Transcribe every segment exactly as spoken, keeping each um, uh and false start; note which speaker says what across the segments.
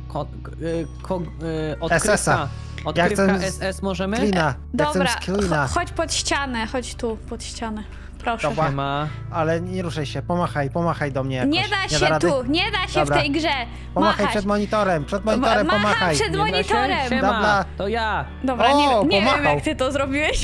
Speaker 1: ko, y, ko, y, odkrywka,
Speaker 2: S S a.
Speaker 1: odkrywka
Speaker 2: Ja chcę
Speaker 1: S S możemy?
Speaker 2: Klina. Ja
Speaker 3: Dobra,
Speaker 2: chcę z klina.
Speaker 3: cho- chodź pod ścianę, chodź tu, pod ścianę. Proszę.
Speaker 2: Dobra.
Speaker 1: Ma.
Speaker 2: Ale nie ruszaj się, pomachaj, pomachaj do mnie jakoś.
Speaker 3: Nie da się
Speaker 2: rady?
Speaker 3: tu, nie da się
Speaker 2: Dobra.
Speaker 3: w tej grze.
Speaker 2: Pomachaj
Speaker 3: Machać.
Speaker 2: przed monitorem, przed monitorem
Speaker 3: Ma- macham
Speaker 2: pomachaj.
Speaker 3: przed
Speaker 1: Nie da się?
Speaker 3: monitorem.
Speaker 1: Siema,
Speaker 2: Dobra.
Speaker 1: to ja.
Speaker 3: Dobra,
Speaker 2: O,
Speaker 3: nie, nie wiem
Speaker 2: pomachał.
Speaker 3: jak ty to zrobiłeś.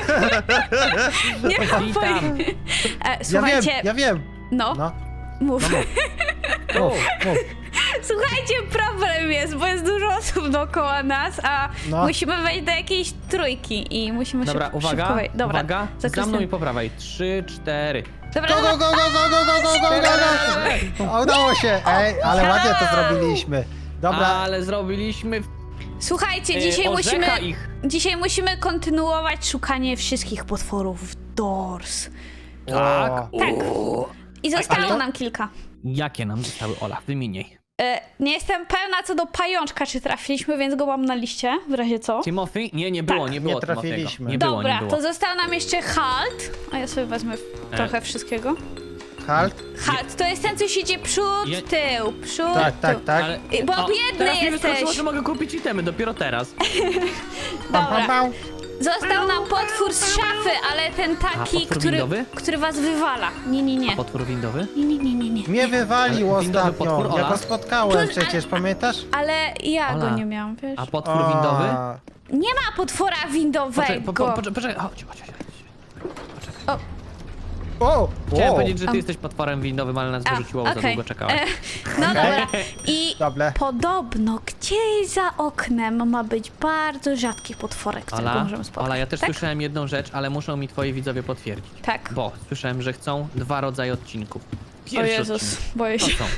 Speaker 3: nie mam
Speaker 1: Witam.
Speaker 3: pojęcia. E,
Speaker 2: Ja
Speaker 3: słuchajcie,
Speaker 2: wiem, ja wiem.
Speaker 3: no,
Speaker 2: No,
Speaker 3: mów.
Speaker 2: mów, mów.
Speaker 3: Słuchajcie, problem jest, bo jest dużo osób dookoła nas, a
Speaker 2: No.
Speaker 3: musimy wejść do jakiejś trójki i musimy
Speaker 1: Dobra,
Speaker 3: szyb,
Speaker 1: uwaga,
Speaker 3: szybko wejść. Dobra,
Speaker 1: uwaga,
Speaker 3: za
Speaker 1: za mną i
Speaker 3: Krystian.
Speaker 1: po prawej. Trzy, cztery.
Speaker 3: Dobra,
Speaker 2: Go, go, go, go, go, go, go, go, go, go, go. Udało się, ej, ale ładnie to zrobiliśmy. Dobra,
Speaker 1: Ale zrobiliśmy w-
Speaker 3: Słuchajcie,
Speaker 1: e,
Speaker 3: dzisiaj musimy,
Speaker 1: orzecha ich.
Speaker 3: dzisiaj musimy kontynuować szukanie wszystkich potworów w Doors.
Speaker 1: Tak.
Speaker 2: O.
Speaker 3: Tak. I zostało
Speaker 2: ale to-
Speaker 3: nam kilka.
Speaker 1: Jakie nam zostały, Ola? Wymieniaj.
Speaker 3: E, nie jestem pewna co do pajączka, czy trafiliśmy, więc go mam na liście, w razie co.
Speaker 1: Timothy? Nie, nie było,
Speaker 3: Tak.
Speaker 1: nie było
Speaker 2: Nie
Speaker 1: Timothy'ego.
Speaker 2: trafiliśmy.
Speaker 1: Nie było,
Speaker 3: Dobra,
Speaker 1: nie było.
Speaker 3: to został nam jeszcze Halt. A ja sobie wezmę
Speaker 1: E.
Speaker 3: trochę wszystkiego.
Speaker 2: halt.
Speaker 3: Halt, to jest ten, co siedzi przód,
Speaker 1: Je-
Speaker 3: tył, przód,
Speaker 2: Tak, tak,
Speaker 3: tył.
Speaker 2: tak.
Speaker 1: Ale...
Speaker 3: I- bo
Speaker 1: O,
Speaker 3: biedny
Speaker 1: teraz mi
Speaker 3: jesteś.
Speaker 1: wyskoczyło, że mogę kupić itemy, dopiero teraz.
Speaker 2: Pam, pam,
Speaker 3: Dobra.
Speaker 2: pam.
Speaker 3: Został nam potwór z szafy, ale ten taki,
Speaker 1: potwór
Speaker 3: który,
Speaker 1: windowy?
Speaker 3: który was wywala. Nie, nie, nie.
Speaker 1: Potwór windowy?
Speaker 3: Nie, nie, nie, nie, nie.
Speaker 2: Mnie wywalił
Speaker 1: Ale windowy
Speaker 2: ostatnio.
Speaker 1: potwór,
Speaker 2: Ja
Speaker 1: Ola?
Speaker 2: go spotkałem
Speaker 3: Tu-
Speaker 2: przecież, pamiętasz?
Speaker 3: Ale ja
Speaker 1: Ola.
Speaker 3: go nie miałam, wiesz?
Speaker 1: A potwór windowy?
Speaker 2: A,
Speaker 3: Nie ma potwora
Speaker 1: Poczekaj,
Speaker 3: windowego.
Speaker 1: po, po, poczekaj, poczekaj, chodź, chodź, chodź.
Speaker 3: O,
Speaker 2: O,
Speaker 1: Chciałem
Speaker 2: o.
Speaker 1: powiedzieć, że ty
Speaker 3: Am.
Speaker 1: jesteś potworem windowym, ale nas
Speaker 3: a,
Speaker 1: wyrzuciło, bo za
Speaker 3: okej.
Speaker 1: długo czekałaś.
Speaker 3: E, no
Speaker 2: Okej.
Speaker 3: dobra. I
Speaker 2: Dobre.
Speaker 3: podobno gdzieś za oknem ma być bardzo rzadki potworek, którego
Speaker 1: Ola,
Speaker 3: możemy spotkać.
Speaker 1: Ola, ja też
Speaker 3: tak?
Speaker 1: słyszałem jedną rzecz, ale muszą mi twoi widzowie potwierdzić.
Speaker 3: Tak.
Speaker 1: Bo słyszałem, że chcą dwa rodzaje odcinków.
Speaker 3: O
Speaker 1: Pierwszy
Speaker 3: Jezus,
Speaker 1: odcinek
Speaker 3: boję
Speaker 1: to
Speaker 3: się.
Speaker 1: są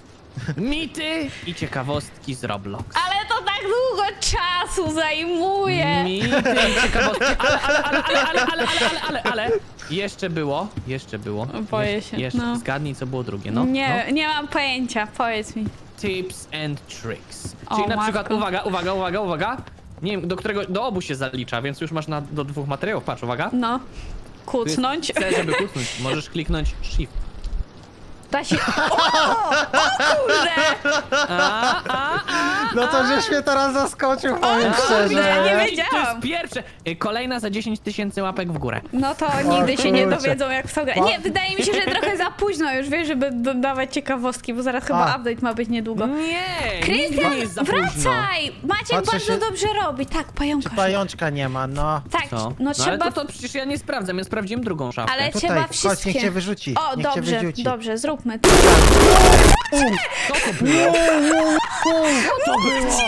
Speaker 1: mity i ciekawostki z Roblox.
Speaker 3: Ale to tak długo czasu zajmuje.
Speaker 1: Mity i ciekawostki, ale, ale, ale, ale, ale, ale, ale, ale, ale, ale, jeszcze było, jeszcze było.
Speaker 3: Boję
Speaker 1: Jesz-
Speaker 3: się,
Speaker 1: Jeszcze,
Speaker 3: no.
Speaker 1: zgadnij, co było drugie, no.
Speaker 3: nie,
Speaker 1: no.
Speaker 3: nie mam pojęcia, powiedz mi.
Speaker 1: Tips and tricks.
Speaker 3: O,
Speaker 1: Czyli na
Speaker 3: matko.
Speaker 1: przykład, uwaga, uwaga, uwaga, uwaga. Nie wiem, do którego, do obu się zalicza, więc już masz na, do dwóch materiałów, patrz, uwaga.
Speaker 3: No,
Speaker 1: Tu jest
Speaker 3: kucnąć.
Speaker 1: C, żeby kucnąć, możesz kliknąć shift.
Speaker 3: Da się... O! O kurde!
Speaker 1: A, a, a,
Speaker 2: No to żeś mnie teraz zaskoczył, powiem
Speaker 3: kurde,
Speaker 2: szczerze.
Speaker 3: nie
Speaker 1: I
Speaker 3: wiedziałam.
Speaker 1: To jest pierwsze. Y, Kolejna za dziesięć tysięcy łapek w górę.
Speaker 3: No to nigdy się nie
Speaker 2: kurczę.
Speaker 3: dowiedzą, jak w to grać. Nie, wydaje mi się, że trochę za późno już, wiesz, żeby dodawać ciekawostki, bo zaraz chyba
Speaker 2: A.
Speaker 3: update ma być niedługo.
Speaker 1: Nie, nigdy
Speaker 3: Krystian,
Speaker 1: nie jest za późno.
Speaker 3: wracaj! Maciek
Speaker 2: Patrzę
Speaker 3: bardzo
Speaker 2: się-
Speaker 3: dobrze robi. Tak, pająka.
Speaker 2: Czy pajączka nie ma, no.
Speaker 3: Tak,
Speaker 1: Co?
Speaker 3: no
Speaker 1: No ale
Speaker 3: trzeba...
Speaker 1: to, to przecież ja nie sprawdzam, ja sprawdziłem drugą szafkę.
Speaker 3: Ale
Speaker 2: Tutaj,
Speaker 3: trzeba
Speaker 2: chodź, niech
Speaker 3: wszystkie.
Speaker 2: cię wyrzuci.
Speaker 3: O,
Speaker 2: niech cię
Speaker 3: dobrze,
Speaker 2: wyrzuci.
Speaker 3: dobrze, zróbmy to.
Speaker 1: Co to było? Co to było?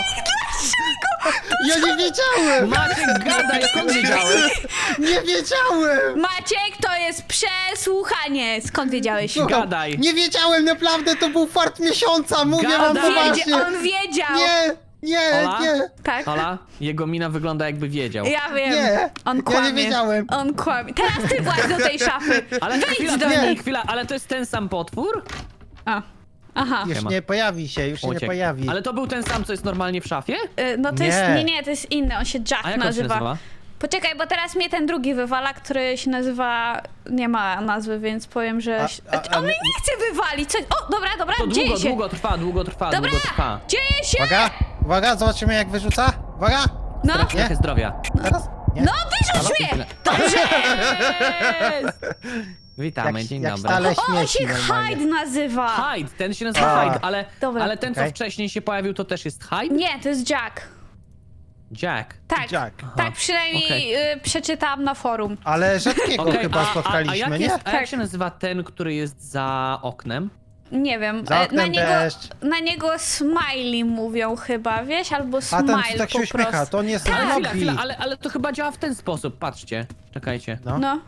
Speaker 2: Ja nie wiedziałem!
Speaker 1: Maciek, gadaj, skąd wiedziałeś?
Speaker 2: Nie wiedziałem!
Speaker 3: Maciek, to jest przesłuchanie. Skąd wiedziałeś?
Speaker 2: Słucham,
Speaker 1: Gadaj.
Speaker 2: Nie wiedziałem, naprawdę, to był fart miesiąca, mówię wam
Speaker 1: Gadaj.
Speaker 3: Wiedzie,
Speaker 2: poważnie.
Speaker 3: on wiedział.
Speaker 2: Nie, nie,
Speaker 1: Ola?
Speaker 2: nie.
Speaker 3: Tak.
Speaker 1: Ola, jego mina wygląda jakby wiedział.
Speaker 3: Ja wiem.
Speaker 2: Nie,
Speaker 3: On
Speaker 2: ja
Speaker 3: kłamie.
Speaker 2: nie wiedziałem.
Speaker 3: On kłamie. Teraz ty właź do tej szafy.
Speaker 1: Ale
Speaker 3: Wejdź
Speaker 1: chwila,
Speaker 3: do
Speaker 1: nie.
Speaker 3: niej.
Speaker 1: chwila, ale to jest ten sam potwór?
Speaker 3: A. Aha.
Speaker 2: Już
Speaker 1: Siema.
Speaker 2: nie pojawi się, już się nie
Speaker 1: Uciekł.
Speaker 2: pojawi.
Speaker 1: Ale to był ten sam, co jest normalnie w szafie?
Speaker 3: Y, No to
Speaker 2: Nie.
Speaker 3: jest. Nie, nie, to jest inny. On się Jack
Speaker 1: A jak on się
Speaker 3: nazywa.
Speaker 1: nazywa?
Speaker 3: Poczekaj, bo teraz mnie ten drugi wywala, który się nazywa. Nie ma nazwy, więc powiem, że.
Speaker 2: A- a- a
Speaker 3: On mnie
Speaker 2: my-
Speaker 3: nie chce wywalić. Co... O, dobra, dobra,
Speaker 1: To
Speaker 3: dzieje
Speaker 1: długo,
Speaker 3: się.
Speaker 1: długo trwa, długo trwa,
Speaker 3: Dobra,
Speaker 1: długo trwa.
Speaker 3: dzieje się!
Speaker 2: Uwaga, uwaga, zobaczymy jak wyrzuca. Uwaga,
Speaker 3: No,
Speaker 1: Trać trochę zdrowia.
Speaker 2: teraz. Nie?
Speaker 3: no wyrzuć mnie! Dobrze!
Speaker 1: Jest! Witamy,
Speaker 2: Jak-
Speaker 1: dzień
Speaker 2: jak
Speaker 1: dobry.
Speaker 2: stale-
Speaker 3: O, on
Speaker 2: śmieci
Speaker 3: się
Speaker 2: normalnie.
Speaker 3: Hyde nazywa!
Speaker 1: Hyde, ten się nazywa
Speaker 2: A.
Speaker 1: Hyde, ale,
Speaker 3: Dobra.
Speaker 1: ale ten, co
Speaker 2: Okej.
Speaker 1: wcześniej się pojawił, to też jest Hyde?
Speaker 3: Nie, to jest Jack.
Speaker 1: Jack.
Speaker 3: Tak,
Speaker 2: Jack.
Speaker 3: tak przynajmniej
Speaker 1: Okej.
Speaker 3: y, przeczytałam na forum.
Speaker 2: Ale rzadkiego
Speaker 1: Okej,
Speaker 2: chyba
Speaker 1: a, a, a,
Speaker 2: spotkaliśmy,
Speaker 1: jak
Speaker 2: nie?
Speaker 1: jest, a jak
Speaker 3: Tak.
Speaker 1: się nazywa ten, który jest za oknem?
Speaker 3: Nie wiem,
Speaker 2: Za
Speaker 3: e,
Speaker 2: oknem
Speaker 3: na niego,
Speaker 2: deszcz.
Speaker 3: na niego smiley mówią chyba, wiesz, albo
Speaker 2: A
Speaker 3: smile
Speaker 2: ten, co tak się
Speaker 3: po
Speaker 2: uśmiecha,
Speaker 3: prostu.
Speaker 2: to on jest
Speaker 1: Ale
Speaker 2: w
Speaker 1: chwila,
Speaker 2: lobby.
Speaker 1: chwila, ale, ale to chyba działa w ten sposób, patrzcie. Czekajcie.
Speaker 2: No.
Speaker 3: No.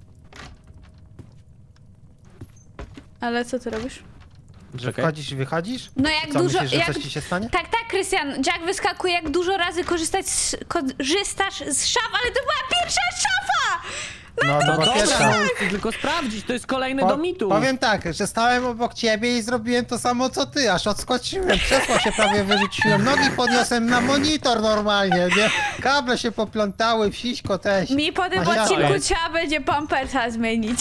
Speaker 3: Ale co ty robisz?
Speaker 2: Że
Speaker 1: Czekaj.
Speaker 2: wchodzisz i wychodzisz?
Speaker 3: No jak
Speaker 2: Co,
Speaker 3: dużo...
Speaker 2: myślisz, że
Speaker 3: jak...
Speaker 2: coś ci się stanie?
Speaker 3: Tak, tak, Krystian, Jack wyskakuje, jak dużo razy korzystać z, korzystasz z szaf, ale to była pierwsza szafa!
Speaker 2: No to
Speaker 1: No
Speaker 2: była
Speaker 1: dobra,
Speaker 2: pierwsza.
Speaker 1: no, chcę tylko sprawdzić, to jest kolejny
Speaker 2: Po-
Speaker 1: do mitu.
Speaker 2: Powiem tak, że stałem obok ciebie i zrobiłem to samo co ty, aż odskoczyłem, krzesło się prawie wyrzuciłem, nogi podniosłem na monitor normalnie, nie? Kable się poplątały, wsiśko też.
Speaker 3: Mi po tym
Speaker 2: Masia-
Speaker 3: odcinku
Speaker 1: Oj.
Speaker 3: trzeba będzie pampersa zmienić.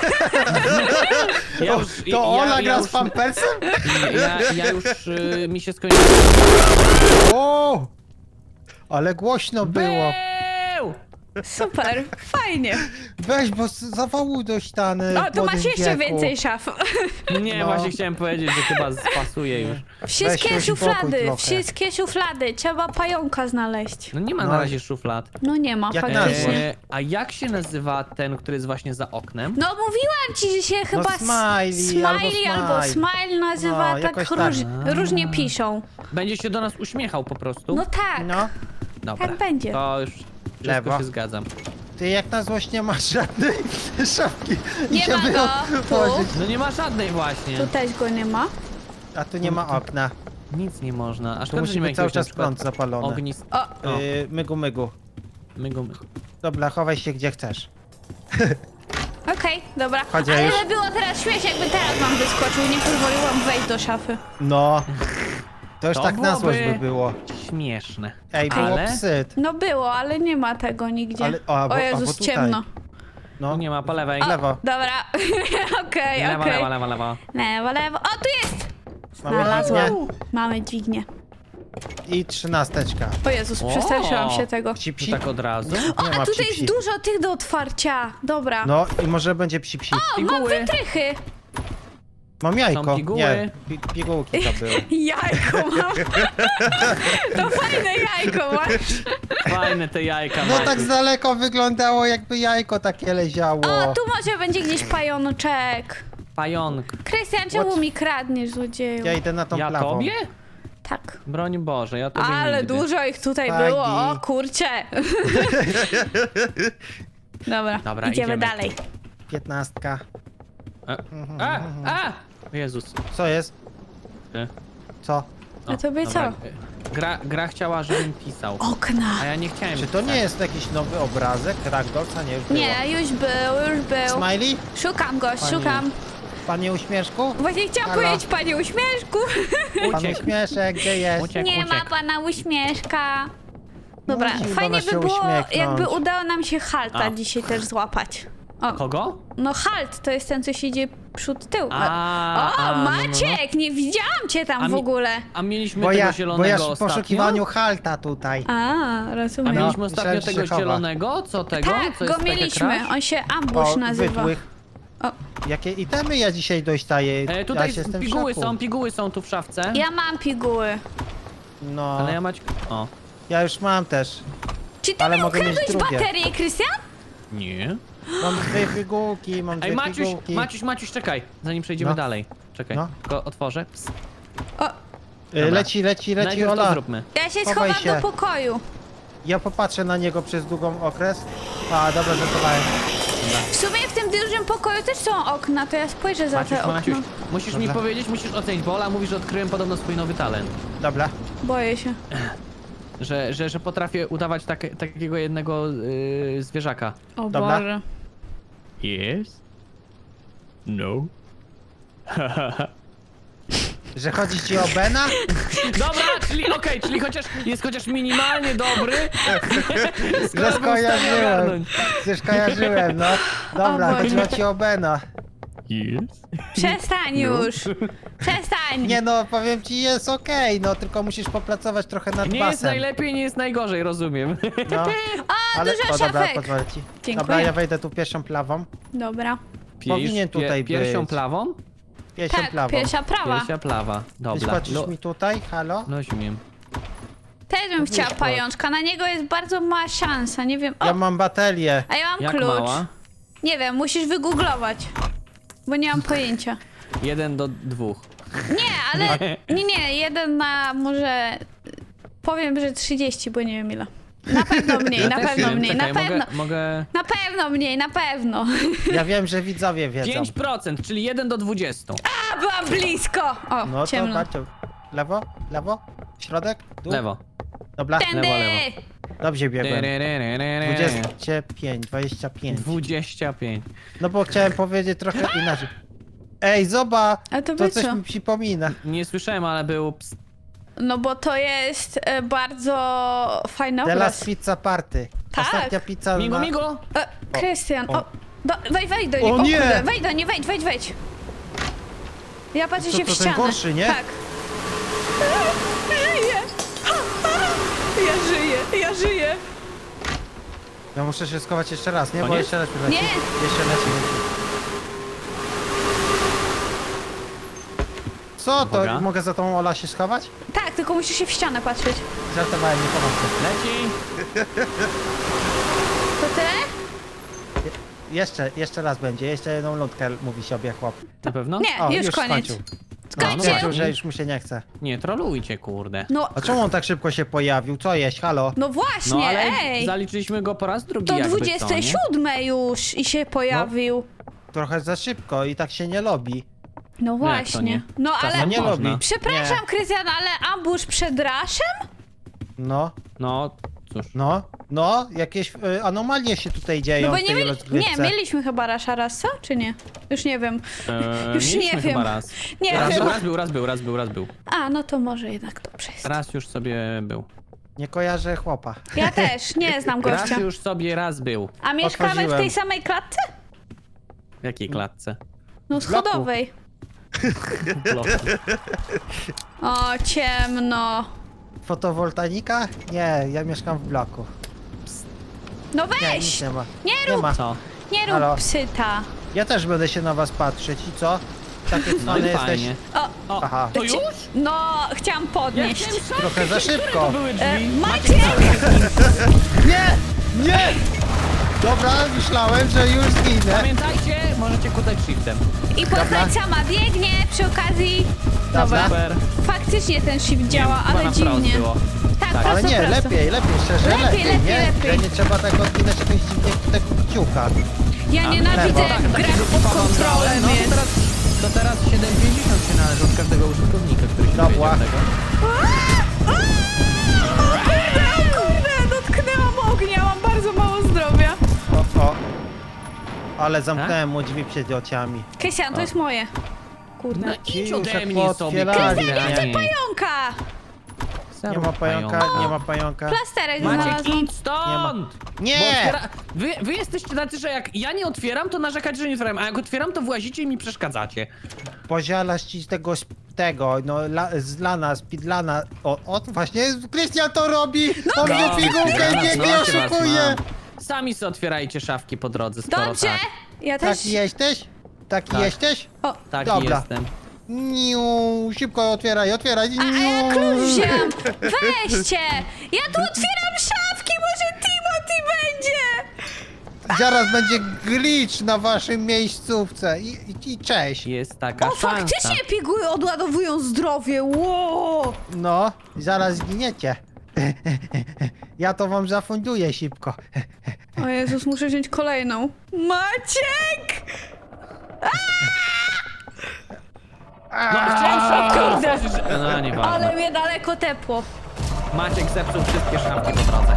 Speaker 1: Ja
Speaker 2: To,
Speaker 1: już,
Speaker 2: to
Speaker 1: ja,
Speaker 2: Ola
Speaker 1: ja
Speaker 2: gra
Speaker 1: już,
Speaker 2: z pampersem?
Speaker 1: Ja, ja już, y, mi się skończyło.
Speaker 2: O! Ale głośno było.
Speaker 1: Był!
Speaker 3: Super, fajnie.
Speaker 2: Weź, bo z- zawołuj do ściany.
Speaker 3: O,
Speaker 2: w
Speaker 3: tu masz
Speaker 2: młodym
Speaker 3: jeszcze
Speaker 2: wieku.
Speaker 3: więcej szaf.
Speaker 1: Nie,
Speaker 2: No.
Speaker 1: właśnie chciałem powiedzieć, że chyba spasuje już.
Speaker 3: Wszystkie
Speaker 2: Weź się uspokój
Speaker 3: szuflady,
Speaker 2: trochę.
Speaker 3: wszystkie szuflady. Trzeba pająka znaleźć.
Speaker 1: No nie ma
Speaker 2: No.
Speaker 1: na razie szuflad.
Speaker 3: No nie ma,
Speaker 2: Jak
Speaker 3: faktycznie.
Speaker 1: E, a jak się nazywa ten, który jest właśnie za oknem?
Speaker 3: No mówiłam ci, że się chyba s-
Speaker 2: Smiley albo
Speaker 3: Smiley albo
Speaker 2: Smile.
Speaker 3: Smile nazywa,
Speaker 2: No,
Speaker 3: tak,
Speaker 2: jakoś tak.
Speaker 3: róż, różnie piszą.
Speaker 1: Będzie się do nas uśmiechał po prostu?
Speaker 3: No tak.
Speaker 2: No,
Speaker 1: Dobra,
Speaker 3: tak będzie.
Speaker 1: to już wszystko
Speaker 2: Lewo.
Speaker 1: się zgadzam.
Speaker 2: ty jak na złość nie masz żadnej szafki.
Speaker 3: Nie
Speaker 2: żeby
Speaker 3: ma go,
Speaker 2: ją
Speaker 3: tu.
Speaker 2: położyć.
Speaker 1: No nie ma żadnej właśnie.
Speaker 3: Tu też go nie ma.
Speaker 2: A tu nie ma okna.
Speaker 1: Nic nie można. Aż
Speaker 2: Tu musi być cały czas prąd zapalony.
Speaker 1: Ognist...
Speaker 3: O,
Speaker 1: O.
Speaker 2: Yy, mygu, mygu.
Speaker 1: Mygu, mygu.
Speaker 2: Dobra, chowaj się gdzie chcesz.
Speaker 3: okej, dobra.
Speaker 2: Chodź,
Speaker 3: Ale
Speaker 2: już.
Speaker 3: by było teraz śmiesznie, jakby teraz wam wyskoczył. Nie pozwoliłam wejść do szafy.
Speaker 2: No. To już
Speaker 1: To
Speaker 2: tak na złość by
Speaker 1: byłoby-
Speaker 2: było.
Speaker 1: Śmieszne.
Speaker 2: Ej, było
Speaker 1: Ale
Speaker 2: psyt.
Speaker 3: No było, ale nie ma tego nigdzie.
Speaker 2: Ale- o, albo-
Speaker 3: o Jezus,
Speaker 2: albo tutaj.
Speaker 3: ciemno.
Speaker 2: No.
Speaker 1: nie ma po lewej.
Speaker 2: O, lewo.
Speaker 3: Dobra, okej,
Speaker 1: Lewo,
Speaker 3: okej.
Speaker 1: lewo, lewo, lewo.
Speaker 3: Lewo, lewo. O, tu jest!
Speaker 2: Mamy
Speaker 3: Znalazłam.
Speaker 2: dźwignię
Speaker 3: Mamy dźwignię.
Speaker 2: i trzynasteczka.
Speaker 3: O Jezus,
Speaker 1: O!
Speaker 3: przestraszyłam się tego.
Speaker 2: Psi,
Speaker 1: To
Speaker 2: psi.
Speaker 1: tak od razu.
Speaker 3: O,
Speaker 2: Nie
Speaker 3: a
Speaker 2: ma
Speaker 3: tutaj
Speaker 2: psi,
Speaker 3: jest
Speaker 2: psi.
Speaker 3: dużo tych do otwarcia. Dobra.
Speaker 2: No i może będzie psi psi.
Speaker 3: O, mam
Speaker 1: Piguły.
Speaker 3: wytrychy.
Speaker 2: Mam jajko.
Speaker 1: Są piguły.
Speaker 2: Nie, pi pigułki to były.
Speaker 3: Jajko mam. To fajne jajko masz.
Speaker 1: Fajne te jajka
Speaker 2: No
Speaker 1: macie.
Speaker 2: tak z daleko wyglądało jakby jajko takie leziało.
Speaker 3: O, tu może będzie gdzieś pajączek.
Speaker 1: Pająk.
Speaker 3: Krystian, czemu
Speaker 2: What?
Speaker 3: mi kradniesz, złodzieju?
Speaker 2: Ja idę na tą
Speaker 1: Ja
Speaker 2: plawą.
Speaker 1: tobie?
Speaker 3: Tak.
Speaker 1: Broń Boże, ja tobie
Speaker 3: Ale
Speaker 1: nigdy.
Speaker 3: dużo ich tutaj
Speaker 2: Fagi.
Speaker 3: było, o kurcze. Dobra,
Speaker 1: Dobra,
Speaker 3: idziemy,
Speaker 1: idziemy.
Speaker 3: dalej.
Speaker 2: Piętnastka.
Speaker 1: A, a, a! O Jezus.
Speaker 2: Co jest?
Speaker 1: Ty.
Speaker 2: Co?
Speaker 1: O,
Speaker 3: A tobie
Speaker 1: dobra.
Speaker 3: co?
Speaker 1: Gra, gra chciała, żebym pisał.
Speaker 3: Okna.
Speaker 1: A ja nie chciałem
Speaker 2: Czy to nie
Speaker 1: pisać.
Speaker 2: jest jakiś nowy obrazek? Ragdolca nie już było.
Speaker 3: Nie, już był, już był.
Speaker 2: Smiley?
Speaker 3: Szukam go,
Speaker 2: Pani-
Speaker 3: szukam.
Speaker 2: Panie Uśmieszku?
Speaker 3: Właśnie chciałam
Speaker 2: Halo?
Speaker 3: powiedzieć panie uśmieszku.
Speaker 2: Pan
Speaker 1: Uciekł.
Speaker 2: Uśmieszek, gdzie jest?
Speaker 1: Uciekł,
Speaker 3: Nie ma
Speaker 1: uciekł.
Speaker 3: pana uśmieszka. Dobra,
Speaker 2: Musi do
Speaker 3: fajnie
Speaker 2: nas
Speaker 3: by
Speaker 2: się
Speaker 3: było,
Speaker 2: uśmiechnąć.
Speaker 3: jakby udało nam się Halta
Speaker 1: A.
Speaker 3: dzisiaj też złapać. O,
Speaker 1: Kogo?
Speaker 3: no Halt to jest ten, co siedzi przód tył.
Speaker 1: A,
Speaker 3: o,
Speaker 1: a, no, no, no.
Speaker 3: Maciek, nie widziałam cię tam
Speaker 1: A
Speaker 3: w
Speaker 1: mi-
Speaker 3: ogóle.
Speaker 1: A mieliśmy
Speaker 2: Bo
Speaker 1: tego
Speaker 2: ja, bo
Speaker 1: zielonego
Speaker 2: ja w
Speaker 1: ostatnio?
Speaker 2: poszukiwaniu halta tutaj.
Speaker 3: A,
Speaker 1: A
Speaker 3: rozumiem.
Speaker 2: No.
Speaker 1: mieliśmy ostatnio
Speaker 2: myślałem, że
Speaker 1: tego
Speaker 2: się chowa.
Speaker 1: zielonego? Co tego?
Speaker 3: tak,
Speaker 1: Co
Speaker 3: go
Speaker 1: jest takie
Speaker 3: mieliśmy.
Speaker 1: crash?
Speaker 3: On się Ambush
Speaker 2: O,
Speaker 3: nazywa.
Speaker 2: wytłych.
Speaker 3: O.
Speaker 2: Jakie itemy ja dzisiaj dostaję?
Speaker 1: E,
Speaker 2: ja
Speaker 1: tutaj
Speaker 2: się jestem w
Speaker 1: piguły
Speaker 2: szoku.
Speaker 1: są, piguły są tu w szafce.
Speaker 3: Ja mam piguły.
Speaker 2: No,
Speaker 1: Ale ja
Speaker 2: ja,
Speaker 1: mać... O.
Speaker 2: już mam też.
Speaker 3: Czy ty
Speaker 2: Ale
Speaker 3: mi
Speaker 2: mogę mieć
Speaker 3: ukradłeś
Speaker 2: drugie.
Speaker 3: baterię, Krystian?
Speaker 1: Nie.
Speaker 2: Mam dwie pigułki, mam dwie
Speaker 1: Ej, Maciuś,
Speaker 2: pigułki.
Speaker 1: Maciuś, Maciuś, czekaj, zanim przejdziemy
Speaker 2: No.
Speaker 1: dalej. Czekaj,
Speaker 2: No.
Speaker 1: tylko otworzę. Psst.
Speaker 3: O,
Speaker 2: Y,
Speaker 1: Dobra.
Speaker 2: Leci, leci, leci,
Speaker 1: Najpierw to
Speaker 2: Ola.
Speaker 1: zróbmy.
Speaker 3: ja się
Speaker 2: Chowaj
Speaker 3: schowam
Speaker 2: się.
Speaker 3: do pokoju.
Speaker 2: Ja popatrzę na niego przez długą okres. A, dobra, żartowałem.
Speaker 3: W sumie w tym dużym pokoju też są okna, to ja spojrzę za
Speaker 1: Maciuś,
Speaker 3: te
Speaker 1: Maciuś,
Speaker 3: okno.
Speaker 1: musisz mi
Speaker 2: Dobra.
Speaker 1: powiedzieć, musisz ocenić, bo Ola mówi, że odkryłem podobno swój nowy talent.
Speaker 2: Dobra.
Speaker 3: Boję się.
Speaker 1: Że, że, że potrafię udawać takie, takiego jednego yy, zwierzaka.
Speaker 3: O
Speaker 2: Dobra.
Speaker 3: Boże.
Speaker 1: Yes? No?
Speaker 2: Że chodzi ci o Bena?
Speaker 1: Dobra, czyli okej, czyli chociaż jest chociaż minimalnie dobry.
Speaker 2: Że
Speaker 1: Skoro był w stanie
Speaker 2: skojarzyłem.
Speaker 1: ogarnąć.
Speaker 2: Że skojarzyłem, no. Dobra,
Speaker 3: O Boże.
Speaker 2: chodziło ci o Bena.
Speaker 1: Yes?
Speaker 3: Przestań już. Przestań.
Speaker 2: Nie no, powiem ci, jest okej, no tylko musisz popracować trochę nad
Speaker 1: Nie jest
Speaker 2: basem.
Speaker 1: najlepiej, nie jest najgorzej, rozumiem.
Speaker 2: No,
Speaker 3: O, dużo
Speaker 2: o, dobra,
Speaker 3: szafek.
Speaker 2: pozwolę ci.
Speaker 3: Dziękuję.
Speaker 2: Dobra, ja wejdę tu pierwszą plawą.
Speaker 3: Dobra.
Speaker 2: Powinien tutaj
Speaker 1: Piersią
Speaker 2: być.
Speaker 1: plawą?
Speaker 2: Pierwszą
Speaker 3: Tak,
Speaker 2: plawą.
Speaker 3: pierwsza prawa.
Speaker 1: Piersia plawa.
Speaker 2: Ty
Speaker 1: Dobra.
Speaker 2: patrzysz
Speaker 1: No,
Speaker 2: mi tutaj, halo?
Speaker 1: no śmiem.
Speaker 3: Też bym chciała
Speaker 2: Wyszło.
Speaker 3: pajączka, na niego jest bardzo mała szansa, nie wiem. O,
Speaker 2: Ja mam baterię.
Speaker 3: a ja mam
Speaker 1: Jak
Speaker 3: klucz.
Speaker 1: mała?
Speaker 3: Nie wiem, musisz wygooglować. Bo nie mam pojęcia.
Speaker 1: Jeden do dwóch.
Speaker 3: Nie, ale. Nie, nie, jeden na może. Powiem, że trzydzieści, bo nie wiem ile. Na pewno mniej,
Speaker 1: Ja
Speaker 3: na
Speaker 1: też
Speaker 3: pewno
Speaker 1: wiem,
Speaker 3: mniej, na
Speaker 1: czekaj,
Speaker 3: pewno.
Speaker 1: Mogę, mogę...
Speaker 3: Na pewno mniej, na pewno.
Speaker 2: Ja wiem, że widzowie wiedzą.
Speaker 1: pięć procent, czyli jeden do dwudziestu.
Speaker 3: A, byłam blisko! O,
Speaker 2: No to
Speaker 3: ciemno.
Speaker 2: patrzcie. Lewo, lewo, środek, dół.
Speaker 1: Lewo.
Speaker 2: Dobra.
Speaker 3: Tędy!
Speaker 1: Lewo, lewo.
Speaker 2: Dobrze biegłem.
Speaker 1: Tyryryryryry.
Speaker 2: dwadzieścia pięć, dwadzieścia pięć.
Speaker 1: dwadzieścia pięć.
Speaker 2: No bo chciałem powiedzieć trochę inaczej. Ej, zobacz!
Speaker 3: A to
Speaker 2: To
Speaker 3: by
Speaker 2: coś
Speaker 3: co?
Speaker 2: mi przypomina.
Speaker 1: Nie słyszałem, ale był ps...
Speaker 3: No bo to jest e, bardzo fajny
Speaker 2: The
Speaker 3: obraz.
Speaker 2: Last Pizza Party.
Speaker 3: Tak.
Speaker 2: Ostatnia pizza
Speaker 1: Migo,
Speaker 2: na...
Speaker 1: migo!
Speaker 3: E, Krystian,
Speaker 2: o.
Speaker 3: o, do, wejdź, wejdź do
Speaker 2: O
Speaker 3: niego.
Speaker 2: nie!
Speaker 3: Kurde, wejdź do nie, wejdź, wejdź, wejdź. Ja patrzę
Speaker 2: To-
Speaker 3: się
Speaker 2: to
Speaker 3: w
Speaker 2: ten
Speaker 3: ścianę.
Speaker 2: gorszy, nie?
Speaker 3: Tak. Żyję! Ja żyję, ja żyję.
Speaker 2: Ja muszę się schować jeszcze raz, nie? Bo
Speaker 1: Koniec?
Speaker 2: jeszcze raz mi leci.
Speaker 3: Nie.
Speaker 2: Jeszcze leci. Co to?
Speaker 1: Uwaga.
Speaker 2: Mogę za tą Ola się schować?
Speaker 3: Tak, tylko musisz się w ścianę patrzeć.
Speaker 2: Żartowałem, nie pomogę.
Speaker 1: Leci!
Speaker 3: To tyle?
Speaker 2: Jeszcze, jeszcze raz będzie. Jeszcze jedną lądkę mówi sobie chłop.
Speaker 1: Na pewno?
Speaker 3: Nie,
Speaker 2: O,
Speaker 3: już,
Speaker 2: już
Speaker 3: koniec.
Speaker 2: skończył.
Speaker 3: Skończył.
Speaker 2: Stwierdził, że już mu się nie chce.
Speaker 1: Nie, trolujcie, kurde.
Speaker 3: No,
Speaker 2: A czemu on tak szybko się pojawił? Co jeść? Halo?
Speaker 3: no właśnie,
Speaker 1: No ale
Speaker 3: ej.
Speaker 1: zaliczyliśmy go po raz drugi
Speaker 3: To
Speaker 1: jakby co,
Speaker 3: dwudzieste
Speaker 1: nie?
Speaker 3: siódme już i się pojawił.
Speaker 2: Trochę za szybko i tak się nie lubi.
Speaker 3: No
Speaker 1: to
Speaker 3: właśnie.
Speaker 1: nie?
Speaker 3: No
Speaker 1: Tak,
Speaker 3: ale...
Speaker 2: No nie
Speaker 1: można.
Speaker 2: lubi.
Speaker 3: Przepraszam,
Speaker 2: Nie.
Speaker 3: Krystian, ale ambush przed raszem?
Speaker 2: No,
Speaker 1: No, cóż.
Speaker 2: no, no, jakieś y, anomalie się tutaj dzieją
Speaker 3: No bo
Speaker 2: w
Speaker 3: nie,
Speaker 2: tej
Speaker 3: mieli...
Speaker 2: rozgrywce.
Speaker 3: nie, mieliśmy chyba rasza raz, co? Czy nie? Już nie wiem.
Speaker 1: Eee,
Speaker 3: Już nie
Speaker 1: mieliśmy
Speaker 3: wiem.
Speaker 1: chyba raz.
Speaker 3: Nie
Speaker 1: Raz
Speaker 3: wiem.
Speaker 1: był, raz był, raz był, raz był, raz był.
Speaker 3: A, no to może jednak dobrze jest.
Speaker 1: Raz już sobie był.
Speaker 2: Nie kojarzę chłopa.
Speaker 3: Ja też, nie znam
Speaker 1: Raz
Speaker 3: gościa.
Speaker 1: już sobie raz był.
Speaker 3: A mieszkamy w
Speaker 2: Otworzyłem.
Speaker 3: tej samej klatce?
Speaker 1: W jakiej klatce?
Speaker 3: No
Speaker 2: W bloku.
Speaker 3: schodowej.
Speaker 1: Bloku.
Speaker 3: O, ciemno.
Speaker 2: Fotowoltaika? Nie, ja mieszkam w bloku.
Speaker 3: No
Speaker 2: Nie, nic
Speaker 3: weź!
Speaker 2: nie ma.
Speaker 3: Nie
Speaker 2: Nie
Speaker 3: rób,
Speaker 2: ma.
Speaker 1: Co?
Speaker 3: nie rób
Speaker 2: Halo?
Speaker 3: psyta.
Speaker 2: Ja też będę się na was patrzeć i co? Takie
Speaker 1: No
Speaker 2: cwany
Speaker 1: i
Speaker 2: jesteś.
Speaker 1: fajnie.
Speaker 3: O,
Speaker 1: O,
Speaker 2: Aha.
Speaker 1: to już?
Speaker 3: no, chciałam podnieść.
Speaker 2: Trochę za szybko.
Speaker 1: To były
Speaker 3: E,
Speaker 1: drzwi.
Speaker 3: Maciek!
Speaker 2: Nie! Nie! Dobra, myślałem, że już zginę.
Speaker 1: Pamiętajcie, możecie kutać shiftem.
Speaker 3: I postać sama biegnie przy okazji. Dobra.
Speaker 1: Super.
Speaker 3: Faktycznie ten shift działa,
Speaker 1: Chyba
Speaker 3: ale
Speaker 1: na wprost
Speaker 3: dziwnie.
Speaker 1: było.
Speaker 3: Tak,
Speaker 1: Tak.
Speaker 3: prosto,
Speaker 2: Ale nie,
Speaker 3: prosto.
Speaker 2: lepiej, lepiej, szczerze,
Speaker 3: Lepiej,
Speaker 2: lepiej,
Speaker 3: lepiej,
Speaker 2: nie?
Speaker 3: lepiej.
Speaker 2: Że nie trzeba tak odginać jakiegoś dziwnego kciuka.
Speaker 3: Ja
Speaker 1: A,
Speaker 3: nienawidzę
Speaker 2: lewo.
Speaker 3: jak
Speaker 1: Tak,
Speaker 3: gra
Speaker 1: takiego
Speaker 3: pod
Speaker 1: typa wam
Speaker 3: kontrolem
Speaker 1: dałem. No to
Speaker 3: jest.
Speaker 1: teraz, to teraz siedem pięćdziesiąt się należy od każdego użytkownika, który się
Speaker 2: Dobra.
Speaker 1: dowiedział tego.
Speaker 3: O kurde, o kurde, dotknęłam ognia, mam bardzo mało zdrowia.
Speaker 2: O, o. Ale zamknąłem mu drzwi przed oczami.
Speaker 3: Krystian, to jest moje. Kurde.
Speaker 1: No
Speaker 2: Ci
Speaker 1: idź
Speaker 2: już
Speaker 1: ode
Speaker 2: jak
Speaker 1: mnie sobie.
Speaker 2: pootwierali,
Speaker 1: Krystian,
Speaker 2: nie?
Speaker 3: Pająka!
Speaker 2: Nie ma pająka, nie ma pająka.
Speaker 3: Plasterek
Speaker 1: Maciek,
Speaker 3: znalazłam.
Speaker 1: idź stąd!
Speaker 2: Nie!
Speaker 1: Bo otwiera... wy, wy jesteście tacy, że jak ja nie otwieram, to narzekacie, że nie otwieram, a jak otwieram, to włazicie i mi przeszkadzacie.
Speaker 2: Pozialasz ci z tego, z tego, no, la, z lana, z pidlana. O, o, właśnie, Krystian to robi! On
Speaker 1: No,
Speaker 2: mnie pigułkę
Speaker 1: no,
Speaker 2: nie,
Speaker 1: no,
Speaker 2: nie
Speaker 1: was
Speaker 2: oszukuje!
Speaker 1: mam. Sami sobie otwierajcie szafki po drodze, skoro
Speaker 3: Dobrze!
Speaker 1: tak.
Speaker 3: Ja też.
Speaker 2: Taki jesteś? Taki
Speaker 1: Tak.
Speaker 2: jesteś?
Speaker 3: O,
Speaker 1: Taki
Speaker 2: Dobra.
Speaker 1: jestem.
Speaker 2: Niu, szybko otwieraj, otwieraj.
Speaker 3: a, a ja
Speaker 2: niu.
Speaker 3: klucz wzięłam. Weźcie! Ja tu otwieram szafki, może Timothy będzie!
Speaker 2: Zaraz będzie glitch na waszym miejscówce. I, i, i cześć.
Speaker 1: Jest taka
Speaker 3: O,
Speaker 1: szansa.
Speaker 3: faktycznie piguły odładowują zdrowie, wow!
Speaker 2: No, zaraz zginiecie. Ja to wam zafunduję szybko.
Speaker 3: O Jezus, muszę wziąć kolejną. Maciek!
Speaker 1: No chciałem szafkę
Speaker 3: Kurde.
Speaker 1: otworzyć. No nieważne.
Speaker 3: Ale mnie daleko tepło.
Speaker 1: Maciek zepsuł wszystkie szafki po drodze.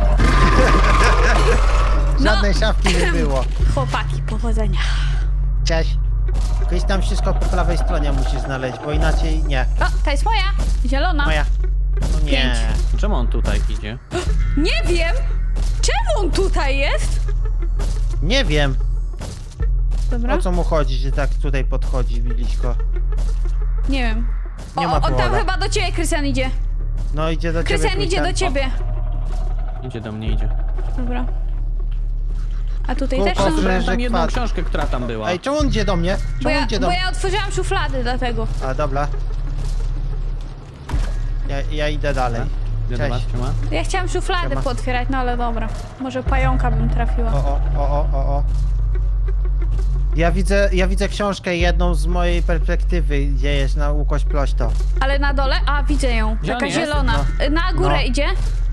Speaker 2: Żadnej szafki nie było.
Speaker 3: Chłopaki, powodzenia.
Speaker 2: Cześć. Kiedyś tam wszystko po prawej stronie musisz znaleźć, bo inaczej nie.
Speaker 3: O, ta jest moja. Zielona.
Speaker 2: Moja. No nie.
Speaker 3: Pięć.
Speaker 1: Czemu on tutaj idzie?
Speaker 3: Nie wiem! Czemu on tutaj jest?
Speaker 2: Nie wiem,
Speaker 3: Dobra.
Speaker 2: o co mu chodzi, że tak tutaj podchodzi blisko.
Speaker 3: Nie wiem.
Speaker 2: Nie
Speaker 3: o,
Speaker 2: ma
Speaker 3: on tam
Speaker 2: powoda.
Speaker 3: chyba do ciebie, Krystian, idzie.
Speaker 2: No idzie do ciebie.
Speaker 3: Krystian idzie do
Speaker 2: Krystian.
Speaker 3: ciebie.
Speaker 1: Idzie do mnie, idzie.
Speaker 3: Dobra. A tutaj
Speaker 2: Kółko
Speaker 3: też są...
Speaker 2: z-
Speaker 1: Otworzyłem tam
Speaker 2: że
Speaker 1: jedną
Speaker 2: kwat.
Speaker 1: książkę, która tam była.
Speaker 2: Ej, czemu on idzie do mnie?
Speaker 3: Bo
Speaker 2: Czemu on
Speaker 3: ja,
Speaker 2: idzie do
Speaker 3: bo
Speaker 2: mnie?
Speaker 3: ja otworzyłam szuflady dlatego.
Speaker 2: A dobra. Ja, ja idę dalej.
Speaker 1: Gdzie
Speaker 2: Cześć.
Speaker 1: do was trzyma?
Speaker 3: Ja chciałam szuflady
Speaker 2: Siema.
Speaker 3: pootwierać, no ale dobra. Może pająka bym
Speaker 2: O,
Speaker 3: trafiła.
Speaker 2: o, o, o, o, o. Ja widzę, ja widzę książkę jedną z mojej perspektywy, gdzie jest na łukość plośto.
Speaker 3: Ale na dole? A, widzę ją.
Speaker 1: Gdzie on
Speaker 3: Taka
Speaker 1: jest?
Speaker 3: zielona. Na górę
Speaker 2: No.
Speaker 3: idzie?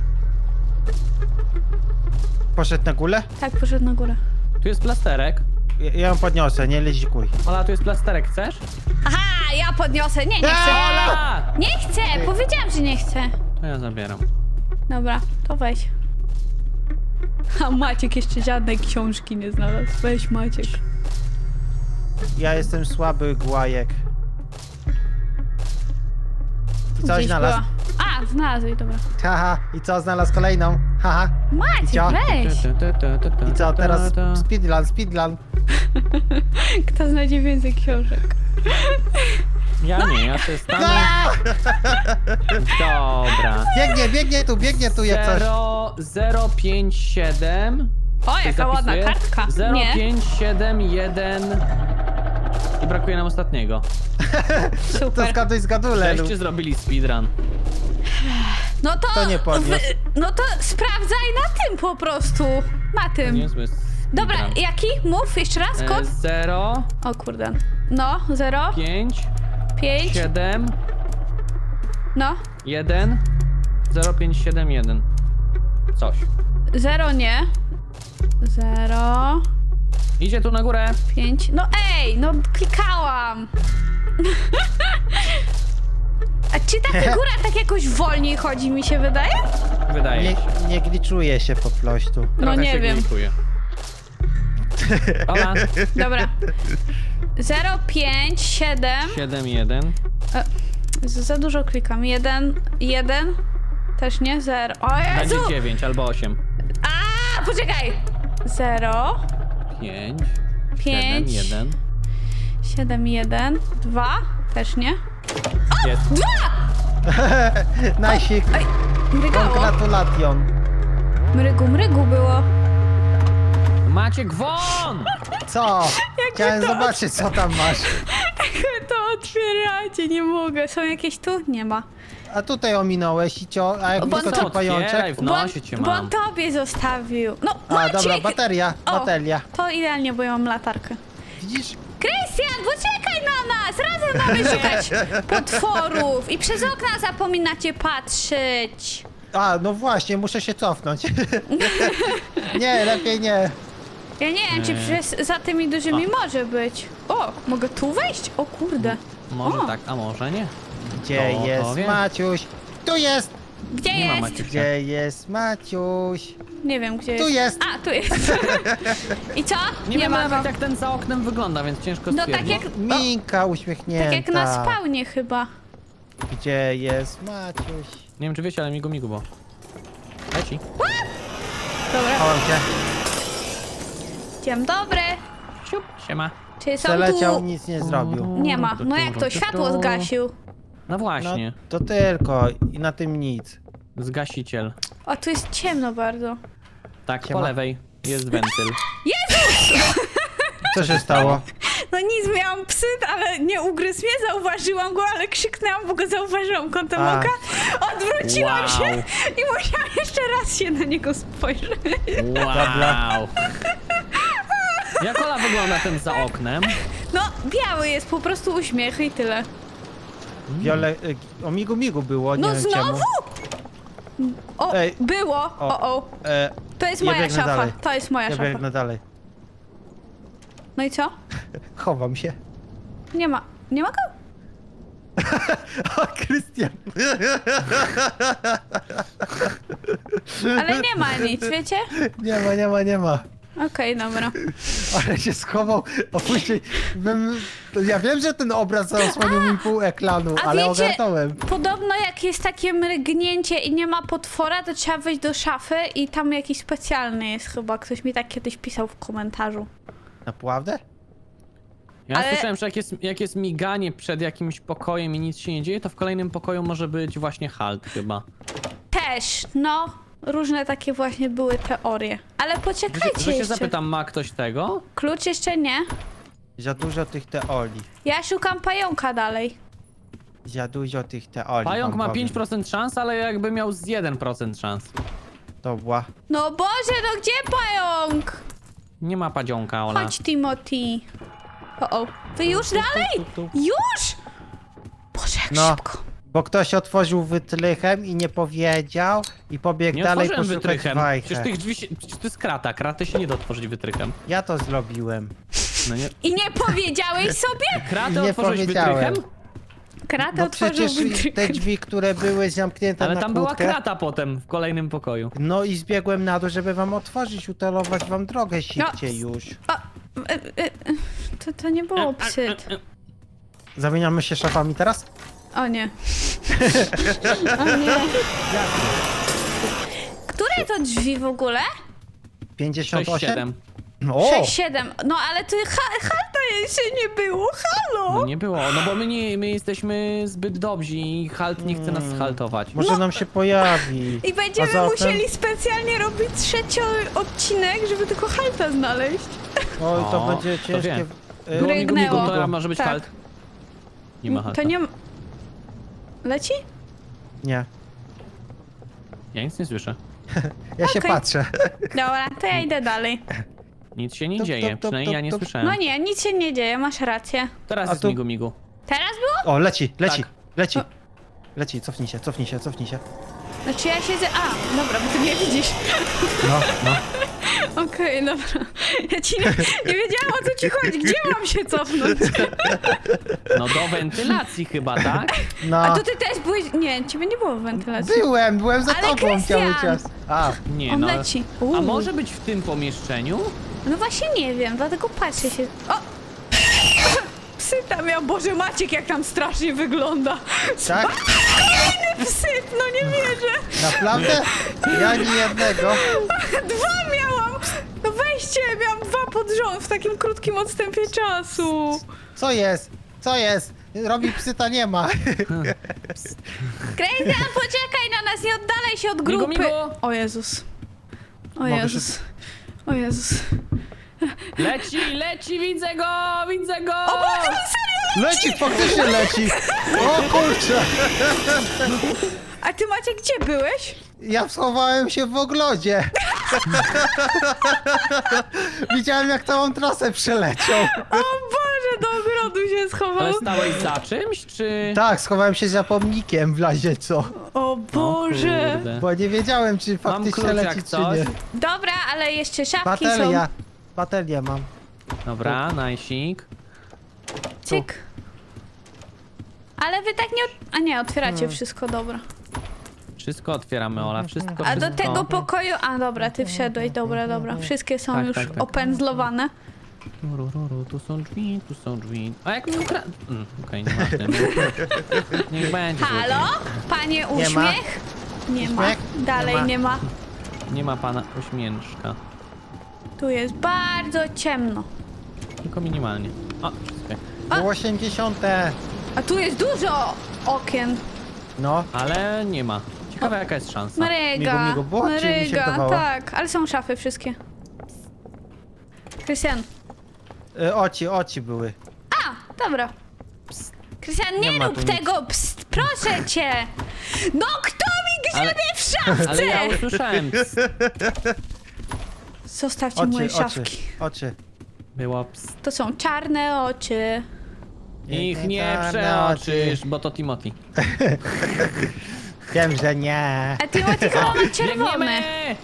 Speaker 2: Poszedł na górę?
Speaker 3: Tak, poszedł na górę.
Speaker 1: Tu jest plasterek.
Speaker 2: Ja, ja ją podniosę, nie lezikuj.
Speaker 1: Ola, tu jest plasterek, chcesz?
Speaker 3: Aha, ja podniosę. Nie, nie chcę.
Speaker 1: Ola!
Speaker 3: Nie chcę, powiedziałam, że nie chcę.
Speaker 1: To ja zabieram.
Speaker 3: Dobra, to weź. A Maciek jeszcze żadnej książki nie znalazł. Weź Maciek.
Speaker 2: Ja jestem słaby głajek. I co
Speaker 3: Gdzieś
Speaker 2: znalazł?
Speaker 3: była. A, znalazłeś, dobra.
Speaker 2: Haha, i co znalazł kolejną? Haha.
Speaker 3: Maciek,
Speaker 2: co?
Speaker 3: weź!
Speaker 2: I co teraz? Speedrun, speedrun.
Speaker 3: Kto znajdzie więcej książek?
Speaker 1: Ja nie, ja się stanę. Dobra.
Speaker 2: Biegnie, biegnie tu, biegnie tu jak coś.
Speaker 1: zero zero pięć siedem.
Speaker 3: O,
Speaker 1: Ktoś
Speaker 3: jaka ładna
Speaker 1: zapisuje?
Speaker 3: kartka.
Speaker 1: zero
Speaker 3: Nie.
Speaker 1: pięć siedem jeden. I brakuje nam ostatniego.
Speaker 2: To
Speaker 3: Super.
Speaker 2: zgaduj, zgadule.
Speaker 1: Żeście zrobili speedrun.
Speaker 3: No to...
Speaker 2: To nie podniósł.
Speaker 3: no to sprawdzaj na tym po prostu. Na tym.
Speaker 1: Niezły
Speaker 3: Dobra,
Speaker 1: speedrun.
Speaker 3: jaki? Mów jeszcze raz,
Speaker 1: E,
Speaker 3: kod?
Speaker 1: zero
Speaker 3: O kurde. No, zero,
Speaker 1: pięć
Speaker 3: pięć,
Speaker 1: siedem
Speaker 3: no.
Speaker 1: jeden zero pięć siedem jeden. Coś.
Speaker 3: Zero nie. Zero,
Speaker 1: Idzie tu na górę.
Speaker 3: pięć. No ej, no klikałam. A czy ta figura tak jakoś wolniej chodzi, mi się wydaje?
Speaker 1: Wydaje
Speaker 2: Nie,
Speaker 1: się.
Speaker 2: nie gliczuje się po prostu.
Speaker 3: No
Speaker 1: Trochę
Speaker 3: nie
Speaker 1: się
Speaker 3: wiem.
Speaker 1: glikuje. Ola,
Speaker 3: Dobra. Zero, pięć, siedem.
Speaker 1: siedem jeden.
Speaker 3: Za za dużo klikam. Jeden, jeden. Też nie, zero. O Jezu!
Speaker 1: Będzie dziewięć albo osiem.
Speaker 3: A, poczekaj! Zero,
Speaker 1: pięć
Speaker 3: pięć,
Speaker 1: siedem jeden.
Speaker 3: siedem, jeden, dwa. Też nie.
Speaker 1: Jest.
Speaker 2: Najsik.
Speaker 3: Ej, mrygało.
Speaker 2: Congratulation.
Speaker 3: Mrygu, mrygu było.
Speaker 1: Maciek won!
Speaker 2: Co? Chciałem zobaczyć, co tam masz.
Speaker 3: To otwieracie, nie mogę. Są jakieś tu? Nie ma.
Speaker 2: A tutaj ominąłeś i cio... A jak
Speaker 3: Bo
Speaker 2: wyskoczył
Speaker 3: to
Speaker 1: otwieraj,
Speaker 2: pajączek?
Speaker 1: w nosie cię
Speaker 3: bo on
Speaker 1: mam.
Speaker 3: tobie zostawił. No,
Speaker 2: A,
Speaker 3: Maciek!
Speaker 2: dobra, bateria,
Speaker 3: O,
Speaker 2: bateria.
Speaker 3: To idealnie, bo ja mam latarkę.
Speaker 2: Widzisz?
Speaker 3: Krystian, poczekaj na nas! Razem mamy szukać potworów i przez okna zapominacie patrzeć.
Speaker 2: A, no właśnie, muszę się cofnąć. Nie, lepiej nie.
Speaker 3: Ja nie wiem, czy
Speaker 1: Nie.
Speaker 3: przez, za tymi dużymi może być. O, mogę tu wejść? O kurde.
Speaker 1: Może
Speaker 3: O.
Speaker 1: tak, a może nie.
Speaker 2: Gdzie
Speaker 1: To
Speaker 2: jest
Speaker 1: powie.
Speaker 2: Maciuś? Tu jest!
Speaker 3: Gdzie
Speaker 1: Nie ma
Speaker 3: jest?
Speaker 1: Maciek.
Speaker 2: Gdzie jest Maciuś?
Speaker 3: Nie wiem, gdzie
Speaker 2: Tu
Speaker 3: jest.
Speaker 2: jest!
Speaker 3: A, tu jest. I co?
Speaker 1: Nie, wiem
Speaker 3: ma
Speaker 1: nawet
Speaker 3: go.
Speaker 1: jak ten za oknem wygląda, więc ciężko
Speaker 3: No tak
Speaker 1: stwierdzić.
Speaker 3: jak, o,
Speaker 2: Minka uśmiechnięta.
Speaker 3: tak jak na spawnie chyba.
Speaker 2: Gdzie jest Maciuś?
Speaker 1: Nie wiem czy wiecie, ale migu migu, bo... Leci.
Speaker 3: Dobra.
Speaker 2: Chowam się.
Speaker 3: Dzień dobry.
Speaker 1: Siup, siema.
Speaker 3: Czy są
Speaker 2: Przeleciał,
Speaker 3: tu...
Speaker 2: nic nie zrobił.
Speaker 3: Nie ma. No jak to? Światło zgasił.
Speaker 1: No
Speaker 2: No,
Speaker 1: właśnie.
Speaker 2: to tylko i na tym nic.
Speaker 1: Zgasiciel.
Speaker 3: O, tu jest ciemno bardzo.
Speaker 1: Tak,
Speaker 2: Siema.
Speaker 1: po lewej jest wentyl.
Speaker 2: Co się stało?
Speaker 3: No nic, miałam psyt, ale nie ugryzł mnie, zauważyłam go, ale krzyknęłam, bo go zauważyłam kątem
Speaker 2: A.
Speaker 3: oka. Odwróciłam
Speaker 1: Wow.
Speaker 3: się i musiałam jeszcze raz się na niego spojrzeć.
Speaker 1: Wow. Jak Ola wygląda ten za oknem?
Speaker 3: No, biały jest, po prostu uśmiech i tyle.
Speaker 2: Wiole... y, O migu migu było, nie
Speaker 3: No
Speaker 2: wiem
Speaker 3: znowu?
Speaker 2: czemu.
Speaker 3: O,
Speaker 2: Ej.
Speaker 3: było. O, o.
Speaker 2: E,
Speaker 3: To jest
Speaker 2: Ja
Speaker 3: moja
Speaker 2: biegnę
Speaker 3: szafa.
Speaker 2: dalej.
Speaker 3: To jest moja
Speaker 2: ja
Speaker 3: szafa.
Speaker 2: biegnę dalej.
Speaker 3: No i co?
Speaker 2: Chowam się.
Speaker 3: Nie ma. Nie ma go?
Speaker 2: O, Krystian!
Speaker 3: Ale nie ma nic, wiecie?
Speaker 2: Nie ma, nie ma, nie ma.
Speaker 3: Okej, dobra.
Speaker 2: Ale się schował, a później bym... Ja wiem, że ten obraz zasłonił mi pół ekranu,
Speaker 3: A
Speaker 2: ale
Speaker 3: wiecie,
Speaker 2: ogarnąłem.
Speaker 3: podobno jak jest takie mrygnięcie i nie ma potwora, to trzeba wejść do szafy i tam jakiś specjalny jest chyba. Ktoś mi tak kiedyś pisał w komentarzu.
Speaker 2: Naprawdę?
Speaker 1: Ja
Speaker 3: Ale-
Speaker 1: słyszałem, że jak jest, jak jest miganie przed jakimś pokojem i nic się nie dzieje, to w kolejnym pokoju może być właśnie halt chyba.
Speaker 3: Też, no. Różne takie właśnie były teorie. Ale
Speaker 1: Że,
Speaker 3: poczekajcie
Speaker 1: że się
Speaker 3: jeszcze.
Speaker 1: zapytam, ma ktoś tego?
Speaker 3: Klucz jeszcze nie.
Speaker 2: Za dużo tych teorii.
Speaker 3: Ja szukam pająka dalej.
Speaker 2: Za dużo tych teorii.
Speaker 1: Pająk
Speaker 2: wam
Speaker 1: ma
Speaker 2: powiem.
Speaker 1: pięć procent szans, ale jakby miał z jeden procent szans.
Speaker 2: Dobra.
Speaker 3: No Boże, no gdzie pająk?
Speaker 1: Nie ma padzionka, Ola.
Speaker 3: Chodź, Timothy. O, o. Wy już dalej?
Speaker 1: tu, tu.
Speaker 3: Już? Boże, jak
Speaker 2: No.
Speaker 3: szybko.
Speaker 2: Bo ktoś otworzył wytrychem i nie powiedział i pobiegł
Speaker 1: Nie
Speaker 2: dalej
Speaker 1: otworzyłem
Speaker 2: poszukać
Speaker 1: wytrychem.
Speaker 2: wajchę.
Speaker 1: Przecież tych drzwi się, przecież to jest krata. Kraty się nie da otworzyć wytrychem.
Speaker 2: Ja to zrobiłem.
Speaker 1: No nie.
Speaker 3: I nie powiedziałeś sobie?
Speaker 1: Kratę
Speaker 2: Nie
Speaker 1: otworzyłeś
Speaker 2: powiedziałem.
Speaker 1: wytrychem?
Speaker 3: Kratę
Speaker 2: No
Speaker 3: otworzył
Speaker 2: przecież te drzwi, które były zamknięte
Speaker 1: Ale
Speaker 2: na
Speaker 1: tam była
Speaker 2: kłódkę.
Speaker 1: krata potem w kolejnym pokoju.
Speaker 2: No i zbiegłem na dół, żeby wam otworzyć, utalować wam drogę szybciej
Speaker 3: No.
Speaker 2: już.
Speaker 3: O, e, e, e, to, to nie było psyt.
Speaker 2: Zamieniamy się szafami teraz?
Speaker 3: O nie. O nie. Które to drzwi w ogóle?
Speaker 2: pięćdziesiąt
Speaker 1: sześć
Speaker 2: osiem?
Speaker 1: siedem.
Speaker 2: O!
Speaker 3: sześć siedem. No ale ty ha, halta jeszcze nie było, halo!
Speaker 1: No nie było, no bo my nie, my jesteśmy zbyt dobrzy i halt nie chce nas haltować.
Speaker 2: Może nam się pojawi.
Speaker 3: I będziemy
Speaker 2: A zatem-
Speaker 3: musieli specjalnie robić trzeci odcinek, żeby tylko halta znaleźć.
Speaker 2: Oj, to
Speaker 1: O,
Speaker 2: będzie
Speaker 1: to
Speaker 2: ciężkie.
Speaker 1: wiem.
Speaker 2: Y,
Speaker 1: Było migu, migu,
Speaker 3: Rygnęło.
Speaker 1: to może być
Speaker 3: Tak.
Speaker 1: halt. Nie ma halta.
Speaker 3: To nie... Leci?
Speaker 2: Nie.
Speaker 1: Ja nic nie słyszę.
Speaker 2: Ja się
Speaker 3: Okej.
Speaker 2: patrzę.
Speaker 3: Dobra, to ja idę dalej.
Speaker 1: Nic się nie
Speaker 2: Tup,
Speaker 1: dzieje,
Speaker 2: tup, tup,
Speaker 1: przynajmniej ja nie
Speaker 2: tup, tup.
Speaker 1: słyszałem.
Speaker 3: No nie, nic się nie dzieje, masz rację.
Speaker 1: Teraz
Speaker 2: A
Speaker 1: jest
Speaker 2: tu-
Speaker 1: migu, migu.
Speaker 3: Teraz było?
Speaker 2: O, leci, leci,
Speaker 1: Tak.
Speaker 2: leci.
Speaker 3: O.
Speaker 2: Leci, cofnij się, cofnij się, cofnij się.
Speaker 3: Znaczy ja siedzę... A, dobra, bo ty mnie widzisz.
Speaker 2: No, no.
Speaker 3: Okej, dobra. Ja ci nie, nie wiedziałam, o co ci chodzi. Gdzie mam się cofnąć?
Speaker 1: No do wentylacji chyba, tak?
Speaker 2: No.
Speaker 3: A to ty też byłeś... Nie, ciebie nie było w wentylacji.
Speaker 2: Byłem, byłem za
Speaker 3: Ale
Speaker 2: tobą
Speaker 3: Krystian!
Speaker 2: cały czas. A,
Speaker 1: Nie
Speaker 3: On
Speaker 1: no.
Speaker 3: leci.
Speaker 1: A
Speaker 3: Uuu.
Speaker 1: może być w tym pomieszczeniu?
Speaker 3: No właśnie nie wiem, dlatego patrzę się... O! Psy tam miał, Boże Maciek, jak tam strasznie wygląda.
Speaker 2: tak?
Speaker 3: Psyt, no nie wierzę.
Speaker 2: Naprawdę? Ja ni jednego.
Speaker 3: Dwa miałam. No weźcie, miałam dwa pod rząd w takim krótkim odstępie czasu.
Speaker 2: Co jest? Co jest? Robi psyta nie ma.
Speaker 3: Krystian, poczekaj na nas, nie oddalaj się od
Speaker 1: Migu,
Speaker 3: grupy.
Speaker 1: migu.
Speaker 3: O Jezus. O
Speaker 2: Mogę
Speaker 3: Jezus. O Jezus.
Speaker 1: Leci, leci, widzę go, widzę go!
Speaker 3: O Boże, on serio?
Speaker 2: Leci, faktycznie leci. O kurczę.
Speaker 3: A ty Maciek, gdzie byłeś?
Speaker 2: Ja schowałem się w ogrodzie. Widziałem jak całą trasę przeleciał.
Speaker 3: O Boże, do ogrodu się schował.
Speaker 1: Ale stałeś za czymś, czy...
Speaker 2: Tak, schowałem się za pomnikiem w razie co.
Speaker 3: O Boże.
Speaker 1: kurde.
Speaker 2: Bo nie wiedziałem czy
Speaker 1: Mam
Speaker 2: faktycznie
Speaker 1: klucz
Speaker 2: leci
Speaker 1: jak
Speaker 2: czy
Speaker 1: coś.
Speaker 2: nie.
Speaker 3: Dobra, ale jeszcze szafki
Speaker 2: Bateria.
Speaker 3: są.
Speaker 2: Baterię mam.
Speaker 1: Dobra, najsik.
Speaker 3: Cyk. Ale wy tak nie... Od... A nie, otwieracie wszystko, dobra.
Speaker 1: Wszystko otwieramy, Ola, wszystko,
Speaker 3: A do
Speaker 1: wszystko.
Speaker 3: tego pokoju... A dobra, ty wszedłeś, dobra, dobra. Wszystkie są
Speaker 1: Tak,
Speaker 3: już
Speaker 1: tak, tak.
Speaker 3: opędzlowane.
Speaker 1: Ru, ru, ru, tu są drzwi, tu są drzwi. A jak mi ukra... Mm, Okej, nie ma tym. Niech będzie.
Speaker 3: Halo? Panie
Speaker 2: Nie ma.
Speaker 3: uśmiech? Nie ma.
Speaker 2: Uśmiech?
Speaker 3: Dalej
Speaker 2: Nie ma.
Speaker 3: nie ma.
Speaker 1: Nie ma pana uśmieszka.
Speaker 3: Tu jest bardzo ciemno.
Speaker 1: Tylko minimalnie. O, wszystko.
Speaker 2: Było osiemdziesiąte.
Speaker 3: A tu jest dużo okien.
Speaker 2: No.
Speaker 1: Ale nie ma. Ciekawe jaka jest szansa.
Speaker 3: Maryga.
Speaker 2: Migu, migu było, czy mi się
Speaker 3: Maryga,
Speaker 2: wydawało?
Speaker 3: tak. Ale są szafy wszystkie. Krystian.
Speaker 2: Y, oci, oci były.
Speaker 3: A, dobra. Krystian, nie,
Speaker 2: Nie ma
Speaker 3: rób
Speaker 2: tu nic.
Speaker 3: tego, pst, proszę cię! No kto mi grzebie
Speaker 1: Ale-
Speaker 3: w szafce?
Speaker 1: Ale ja usłyszałem. Ps,
Speaker 3: Zostawcie moje
Speaker 2: Oczy, oczy,
Speaker 3: szafki.
Speaker 2: oczy.
Speaker 1: było ps.
Speaker 3: To są czarne oczy.
Speaker 1: Ich nie
Speaker 2: Czarne
Speaker 1: przeoczysz, bo to Timothy.
Speaker 2: Wiem, że nie.
Speaker 3: A Timothy chyba ma czerwone.
Speaker 1: Biegniemy!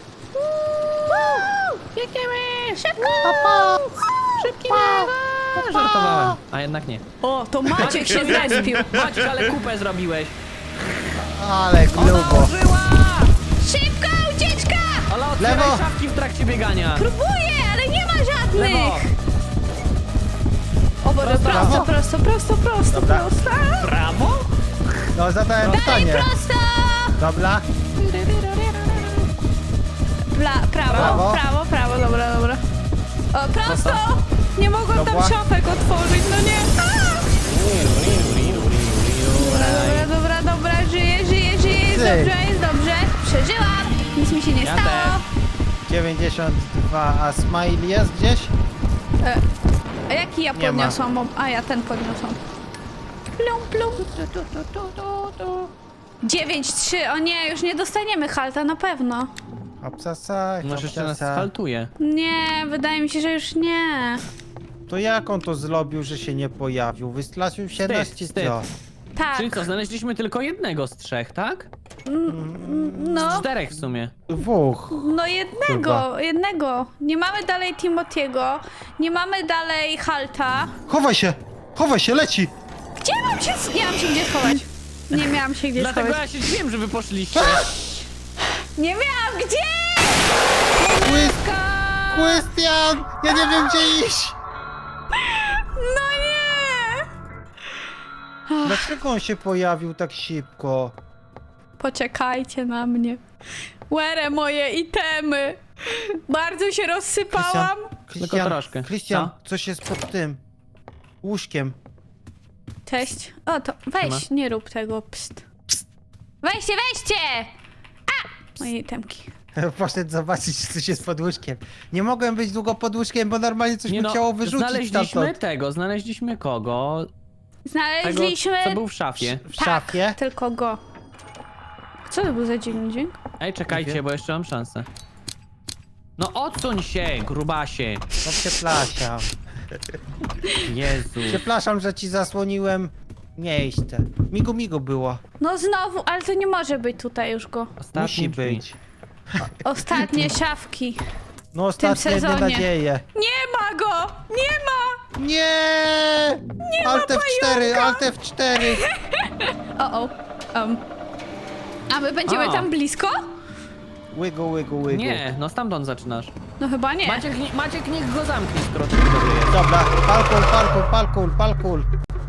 Speaker 3: Biegniemy! Szybko!
Speaker 1: Szybki A, żartowałem. A jednak nie.
Speaker 3: O, to Maciek się zrespił.
Speaker 1: Maciek, ale kupę zrobiłeś.
Speaker 2: Ale
Speaker 1: Ona
Speaker 2: grubo.
Speaker 1: użyła!
Speaker 3: Szybko, ucieczka!
Speaker 1: Ola, otwieraj
Speaker 2: Lewo.
Speaker 1: szafki w trakcie biegania.
Speaker 3: Próbuję, ale nie ma żadnych!
Speaker 1: Lewo.
Speaker 3: O Boże,
Speaker 1: Prosto,
Speaker 3: prosto,
Speaker 2: prawo.
Speaker 3: prosto, prosto, prosto,
Speaker 2: Dobra.
Speaker 3: prosto.
Speaker 1: Prawo?
Speaker 2: No, zadałem
Speaker 3: Dalej
Speaker 2: pytanie.
Speaker 3: prosto!
Speaker 2: Dobra.
Speaker 3: Pla, prawo,
Speaker 2: Prawo.
Speaker 3: prawo, prawo, dobra, dobra. O, prosto!
Speaker 1: Prosto.
Speaker 3: Nie mogłam tam
Speaker 2: Dobra.
Speaker 3: szafek otworzyć, no nie. A! Dobra, dobra, dobra, dobra, żyję, żyję, żyję, jest
Speaker 2: Ty.
Speaker 3: dobrze, jest dobrze. Przeżyłam, nic mi się nie
Speaker 1: Ja
Speaker 3: stało.
Speaker 1: też.
Speaker 2: dziewięćdziesiąt dwa, a smile jest gdzieś?
Speaker 3: E, a jaki ja
Speaker 2: Nie ma.
Speaker 3: podniosłam? Bo- A ja ten podniosłam. Plum, plum. dziewięć trzy, o nie, już nie dostaniemy halta na pewno.
Speaker 2: Obsasa,
Speaker 1: Może jeszcze nas
Speaker 2: obsasa.
Speaker 1: sfaltuje.
Speaker 3: Nie, wydaje mi się, że już nie.
Speaker 2: To jak on to zrobił, że się nie pojawił? Wystraszył się
Speaker 1: Wstyd,
Speaker 2: nas czy
Speaker 1: wstyd.
Speaker 2: co?
Speaker 3: Tak,
Speaker 1: Czyli co, znaleźliśmy tylko jednego z trzech, tak?
Speaker 3: no,
Speaker 1: Czterech w sumie.
Speaker 2: Dwóch.
Speaker 3: no jednego, jednego. Nie mamy dalej Timotiego, nie mamy dalej halta.
Speaker 2: Chowaj się! Chowaj się, leci!
Speaker 3: Gdzie mam się... s- Nie mam się gdzie schować. Nie miałam się gdzie
Speaker 1: Dlatego
Speaker 3: schować.
Speaker 1: ja się dziwiłem, że wy poszliście.
Speaker 3: Nie miałam gdzie!
Speaker 2: Krystian! Ja nie wiem gdzie iść!
Speaker 3: No nie!
Speaker 2: Dlaczego on się pojawił tak szybko?
Speaker 3: Poczekajcie na mnie. Łere moje itemy. Bardzo się rozsypałam.
Speaker 1: Tylko troszkę.
Speaker 2: Krystian,
Speaker 1: Co?
Speaker 2: coś jest pod tym łóżkiem.
Speaker 3: Cześć. O, to weź,
Speaker 1: Siema.
Speaker 3: nie rób tego. Psst. Weźcie, weźcie! A! Moje itemki.
Speaker 2: Poszedł zobaczyć, czy coś jest pod łóżkiem. Nie mogłem być długo pod łóżkiem, bo normalnie coś
Speaker 1: Nie
Speaker 2: mi
Speaker 1: no,
Speaker 2: chciało wyrzucić
Speaker 1: znaleźliśmy
Speaker 2: stamtąd.
Speaker 1: tego, znaleźliśmy kogo? Tego,
Speaker 3: Znaleźliśmy...
Speaker 1: co był w szafie.
Speaker 2: W
Speaker 3: Tak,
Speaker 2: szafie?
Speaker 3: tylko go. Co to był za dziwny dźwięk?
Speaker 1: Ej,
Speaker 2: Nie
Speaker 1: czekajcie,
Speaker 2: wiem.
Speaker 1: bo jeszcze mam szansę. No odsuń się, grubasie.
Speaker 2: No przepraszam.
Speaker 1: Jezu.
Speaker 2: Przepraszam, że ci zasłoniłem miejsce. Migu migu było.
Speaker 3: No znowu, ale to nie może być tutaj już go.
Speaker 1: Ostatnie
Speaker 2: Musi
Speaker 1: drzwi.
Speaker 2: być.
Speaker 3: Ostatnie szafki.
Speaker 2: No ostatnie jedne
Speaker 3: sezonie.
Speaker 2: nadzieje.
Speaker 3: Nie ma go! Nie ma!
Speaker 2: Nie!
Speaker 3: Nie ma
Speaker 2: Alt F cztery,
Speaker 3: pająka!
Speaker 2: Alt F cztery.
Speaker 3: O, o. Um. A my będziemy
Speaker 1: O.
Speaker 3: tam blisko?
Speaker 2: Łygu, łygu, łygu.
Speaker 1: Nie, no stamtąd zaczynasz.
Speaker 3: No chyba nie.
Speaker 1: Maciek, nie- Maciek niech go zamknie, skoro ty dobry jest.
Speaker 2: Dobra, palkul, palkul, palkul, palkul.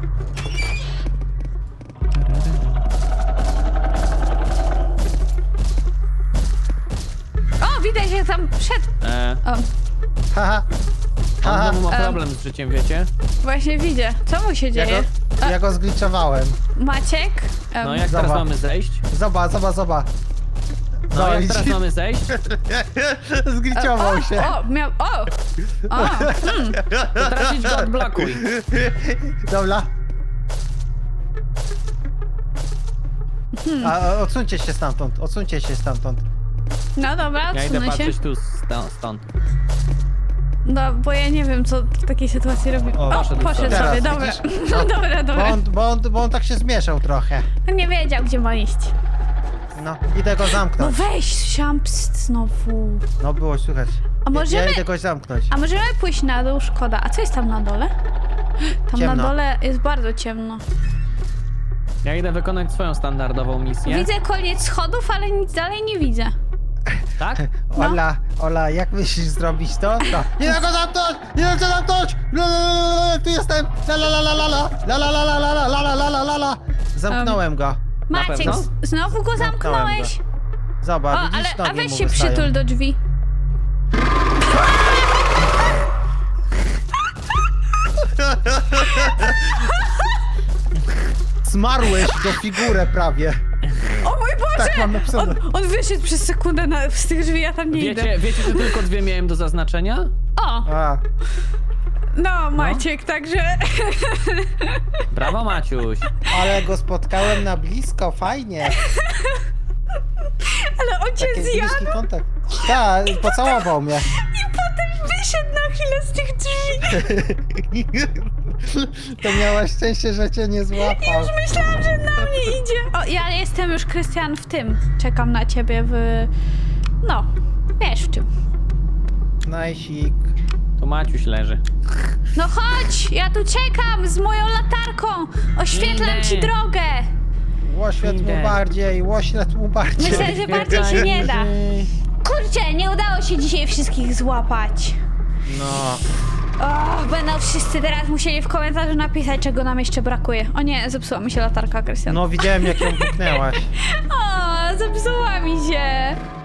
Speaker 3: O, widać, że tam wszedł.
Speaker 1: E,
Speaker 3: O,
Speaker 2: Haha.
Speaker 1: on
Speaker 2: Haha.
Speaker 1: znowu ma
Speaker 3: Em.
Speaker 1: problem z życiem, wiecie?
Speaker 3: właśnie widzę. Co mu się
Speaker 2: Ja
Speaker 3: dzieje?
Speaker 2: go, ja go zgliczowałem.
Speaker 3: Maciek? Um,
Speaker 1: No jak
Speaker 2: Zobacz.
Speaker 1: teraz mamy zejść?
Speaker 2: Zobacz, zobacz, zobacz.
Speaker 1: No jak teraz
Speaker 2: widzisz?
Speaker 1: mamy zejść?
Speaker 2: Zgliczował się.
Speaker 3: O, miał... O! O!
Speaker 1: To teraz idź go odblokuj.
Speaker 2: Dobra. A, a, odsuńcie się stamtąd, odsuńcie się stamtąd.
Speaker 3: No dobra,
Speaker 1: Ja idę
Speaker 3: odsunę się.
Speaker 1: patrzeć tu sto- stąd.
Speaker 3: No, bo ja nie wiem, co w takiej sytuacji robi.
Speaker 2: O,
Speaker 3: O,
Speaker 1: poszedł
Speaker 3: poszedł
Speaker 2: sobie.
Speaker 3: sobie,
Speaker 2: Teraz
Speaker 3: dobra.
Speaker 2: widzisz?
Speaker 3: No, dobra,
Speaker 2: Bo
Speaker 3: dobra.
Speaker 2: on, bo, on, bo on tak się zmieszał trochę.
Speaker 3: Nie wiedział, gdzie ma iść.
Speaker 2: No, idę go
Speaker 3: No
Speaker 2: zamknąć.
Speaker 3: weź, siam pst znowu.
Speaker 2: No było słychać.
Speaker 3: A
Speaker 2: Ja,
Speaker 3: możemy...
Speaker 2: ja idę go zamknąć.
Speaker 3: A możemy pójść na dół? Szkoda. A co jest tam na dole? Tam
Speaker 2: Ciemno.
Speaker 3: na dole jest bardzo ciemno.
Speaker 1: Ja idę wykonać swoją standardową misję.
Speaker 3: Widzę koniec schodów, ale nic dalej nie widzę.
Speaker 1: Tak?
Speaker 3: No.
Speaker 2: Ola, Ola, jak myślisz zrobić to? to. Nie da go zamknąć! Nie da go zamknąć! La, la, la, la, la, tu jestem! La la la la la la la la la la la la la la la la la. Zamknąłem go.
Speaker 3: Maciek,
Speaker 1: pewno?
Speaker 3: z- znowu go
Speaker 2: Zamknąłem
Speaker 3: zamknąłeś? O,
Speaker 2: Zobacz,
Speaker 3: ale
Speaker 2: widzisz,
Speaker 3: a
Speaker 2: nogi
Speaker 3: weź
Speaker 2: mu
Speaker 3: się
Speaker 2: wystają.
Speaker 3: przytul do drzwi.
Speaker 2: Zmarłeś do figurę prawie.
Speaker 3: O mój Boże!
Speaker 2: Tak mam napisane.
Speaker 3: On, on wyszedł przez sekundę na, z tych drzwi, ja tam nie idę.
Speaker 1: Wiecie, wiecie, że tylko dwie miałem do zaznaczenia?
Speaker 3: O,
Speaker 2: A,
Speaker 3: no Maciek, także...
Speaker 1: Brawo, Maciuś.
Speaker 2: ale go spotkałem na blisko, fajnie.
Speaker 3: Ale on cię
Speaker 2: Taki
Speaker 3: zjadł
Speaker 2: bliski kontakt. Tak, pocałował mnie.
Speaker 3: i potem wyszedł na chwilę z tych drzwi.
Speaker 2: To miałaś szczęście, że cię nie złapał.
Speaker 3: Już myślałam, że na mnie idzie. O, ja jestem już, Krystian, w tym. Czekam na ciebie w... No, wiesz w czym.
Speaker 2: Najsik.
Speaker 1: Tu Maciuś leży.
Speaker 3: No chodź, ja tu czekam z moją latarką. Oświetlam
Speaker 1: Idę.
Speaker 3: ci drogę.
Speaker 2: Łoświat mu
Speaker 1: Idę.
Speaker 2: bardziej, łoświat mu bardziej.
Speaker 3: Myślę, że bardziej się nie da. Kurczę, nie udało się dzisiaj wszystkich złapać.
Speaker 2: No.
Speaker 3: O, będą wszyscy teraz musieli w komentarzu napisać, czego nam jeszcze brakuje. O nie, zepsuła mi się latarka, Krystian.
Speaker 2: No widziałem jak ją puknęłaś.
Speaker 3: O, zepsuła mi się.